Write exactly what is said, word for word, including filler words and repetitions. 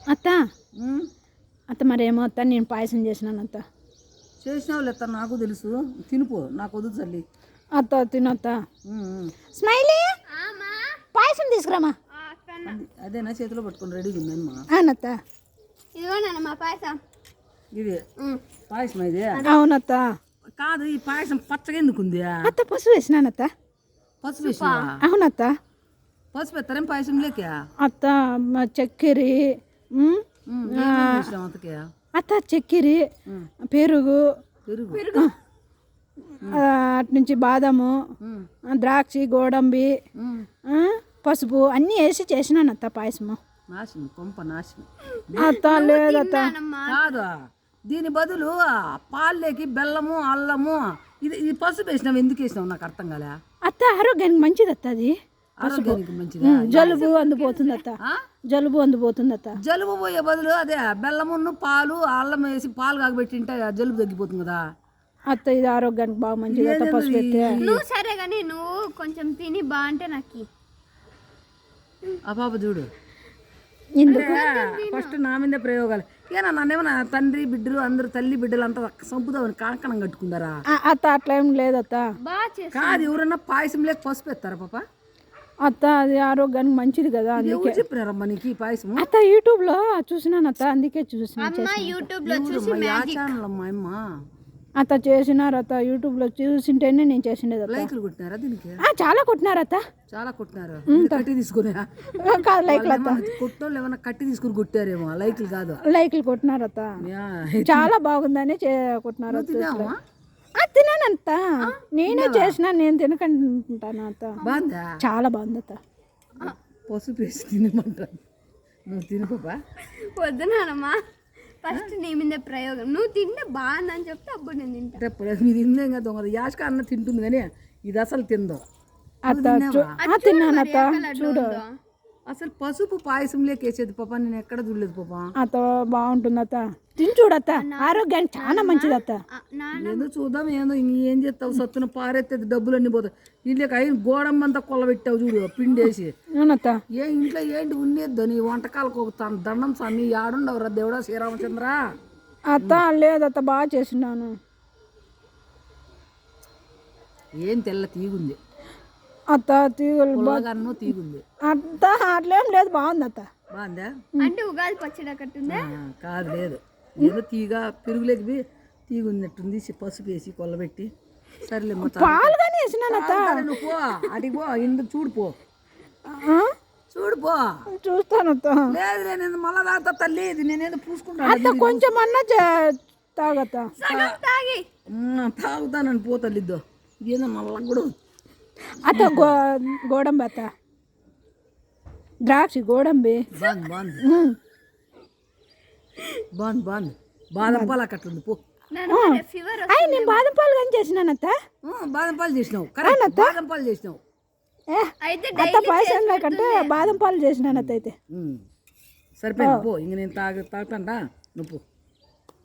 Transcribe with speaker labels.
Speaker 1: అత్త అత్త మరేమో అత్త నేను పాయసం చేసినాను అత్త.
Speaker 2: చేసినావు లేత నాకు తెలుసు, తినిపో, నాకు వద్దు తల్లి.
Speaker 1: అత్త తినత్త. స్మైలీ పాయసం తీసుకురామా.
Speaker 2: అదేనా చేతిలో పట్టుకొని రెడీగా ఉందమ్మా.
Speaker 1: అవునత్త.
Speaker 3: ఇదిగోనమ్మా పాయసం.
Speaker 2: ఇది పాయసం ఇది.
Speaker 1: అవునత్త.
Speaker 2: కాదు, ఈ పాయసం పచ్చగా ఎందుకు ఉంది?
Speaker 1: అత్త పసుపు వేసినానత్త.
Speaker 2: పసుపు వేసినావా?
Speaker 1: అవునత్త.
Speaker 2: పసుపు ఎత్తారేం పాయసం లేక?
Speaker 1: అత్త చక్కెర, అత్త చక్కెర, పెరుగు,
Speaker 2: పెరుగు
Speaker 1: అటు నుంచి బాదము, ద్రాక్ష, గోడంబి, పసుపు అన్నీ వేసి చేసినాను అత్త పాయసము.
Speaker 2: నాశనం, కొంప నాశనం.
Speaker 1: అత్త లేదత్త.
Speaker 2: కాదు, దీని బదులు పాల్లేకి బెల్లము, అల్లము, ఇది ఇది పసుపు వేసినావు. ఎందుకు వేసినావు నాకు అర్థం కాలే.
Speaker 1: అత్త ఆరోగ్యానికి మంచిది అత్త. అది
Speaker 2: ఆరోగ్యానికి మంచిది.
Speaker 1: జలుబు అందుపోతుంది అత్త. జలుబు అందుపోతుంది అత్త.
Speaker 2: జలుబు పోయే బదులు అదే బెల్లమును పాలు అల్లం వేసి పాలు కాగబెట్టింటే జలుబు తగ్గిపోతుంది కదా
Speaker 1: అత్త. ఇది ఆరోగ్యానికి బాగా మంచిది అత్త పసుపు పెడితే.
Speaker 3: నువ్వు సరే కానీ నువ్వు కొంచెం తిని బాగుంటే నాకు
Speaker 2: ఆ పాప చూడు.
Speaker 1: ఎందుకు
Speaker 2: ఫస్ట్ నా మీద ప్రయోగాలు ఏనా? నన్నేమన్నా తండ్రి బిడ్డలు అందరూ తల్లి బిడ్డలు అంతా సంపుదామని కాంకణం కట్టుకుందారా?
Speaker 1: అత్త అట్లా ఏం లేదత్త.
Speaker 2: కాదు, ఎవరన్నా పాయసం లేక పసుపు ఎత్తారా పాప?
Speaker 1: అత్త అది ఆరోగ్యానికి మంచిది కదా.
Speaker 2: అందుకే చెప్పినారమ్మా నీకు ఈ పాయసం.
Speaker 1: అత్త యూట్యూబ్ లో చూసినాను అత్త, అందుకే చూసిన.
Speaker 3: యూట్యూబ్ లో
Speaker 2: ఛానల్ అమ్మా అమ్మ
Speaker 1: అత్త చేసినారు అత్త. యూట్యూబ్ లో చూసింటేనే నేను చేసిండేది అత్త.
Speaker 2: లైక్లు కొట్టినారా దీనికి?
Speaker 1: చాలా కొట్టినారు అత్త.
Speaker 2: చాలా కొట్టినారు. కట్టి తీసుకుని
Speaker 1: కాదు లైక్లు అత్త.
Speaker 2: కొట్టోళ్ళు ఏమన్నా కట్టి తీసుకుని కొట్టారేమో, లైక్లు కాదు.
Speaker 1: లైక్లు కొట్టినారు అత్త. చాలా బాగుందని కొట్టినారు. తినానంత నేనే చేసిన, నేను తినకుంటాను అత్త.
Speaker 2: బాగుందా?
Speaker 1: చాలా బాగుంది అత్త.
Speaker 2: పసుపు వేసి తినమంటాను. నువ్వు తిను పాప.
Speaker 3: వద్దునానమ్మా, ఫస్ట్ నీ మీద ప్రయోగం. నువ్వు తింటే బాగుందని చెప్తే అప్పుడు నేను తింటా.
Speaker 2: మీరు తిందే కదా దొంగ. యాష్క అన్న తింటుంది కానీ ఇది అసలు తిందో.
Speaker 1: తిన్నాను అత్త. చూడు
Speaker 2: అసలు పసుపు పాయసం లేకేసేది పాప, నేను ఎక్కడ చూడలేదు పాప.
Speaker 1: అత్త బాగుంటుంది అత్త. తిని చూడత్త, ఆరోగ్యానికి చాలా మంచిది అత్త.
Speaker 2: ఏదో చూద్దాం. ఏదో ఏం చేస్తావు? సత్తున పారెత్తేది డబ్బులన్నీ పోతాయి. ఇంట్లోకి అయిన గోడమ్మంతా కొల్లబెట్టావు చూడు పిండేసి.
Speaker 1: అవునత్త.
Speaker 2: ఏ ఇంట్లో ఏంటి ఉండేద్దు నీ వంటకాలకు ఒక దండం స్వామి. ఆడుండవురా దేవుడా శ్రీరామచంద్ర.
Speaker 1: అత్త లేదత్త, బాగా చేసినాను.
Speaker 2: ఏం తెల్ల తీగుంది
Speaker 1: అత్త. తీగలు
Speaker 2: తీగుంది
Speaker 1: అత్త. అట్లేం లేదు, బాగుంది అత్త.
Speaker 2: బాగుందా?
Speaker 3: అంటే ఉగాది పచ్చడి కట్టుందా?
Speaker 2: కాదు, లేదు. ఏదో తీగ పెరుగులేకి తీగున్నట్టుంది. పసుపు వేసి కొల్లబెట్టి సరేలే
Speaker 1: పాలు కానీ వేసినాను అత్త.
Speaker 2: నువ్వు పో, అడిగి పో, ఇందుకు చూడు పో, చూడు పో.
Speaker 1: చూస్తాను అత్త.
Speaker 2: లేదు నేను మళ్ళా తాగుతా తల్లి. ఇది నేనేదో పూసుకుంటాను
Speaker 1: అత్త. కొంచెం అన్నా తాగత్త.
Speaker 3: తాగి
Speaker 2: తాగుతానని పో తల్లి. ఇద్దో ఇదేదో మళ్ళా కూడా
Speaker 1: అత్త. గో గోడంబి అత్త. ద్రాక్ష, గోడంబి.
Speaker 2: బాగుంది బాగుంది బాగుంది బాగుంది. బాదం పాలు అక్కట్లుంది పో.
Speaker 1: అయ్యి నేను బాదం పాలు కానీ చేసినాను అత్త.
Speaker 2: బాదం పాలు చేసినావు. కరెక్ట్, బాదం పాలు చేసినావు.
Speaker 1: అత్త పాయసం లేకంటే బాదం పాలు చేసినాను అత్త. అయితే
Speaker 2: సరిపోయింది పో. ఇంక నేను తాగ తాగుతాంటా నువ్వు పో.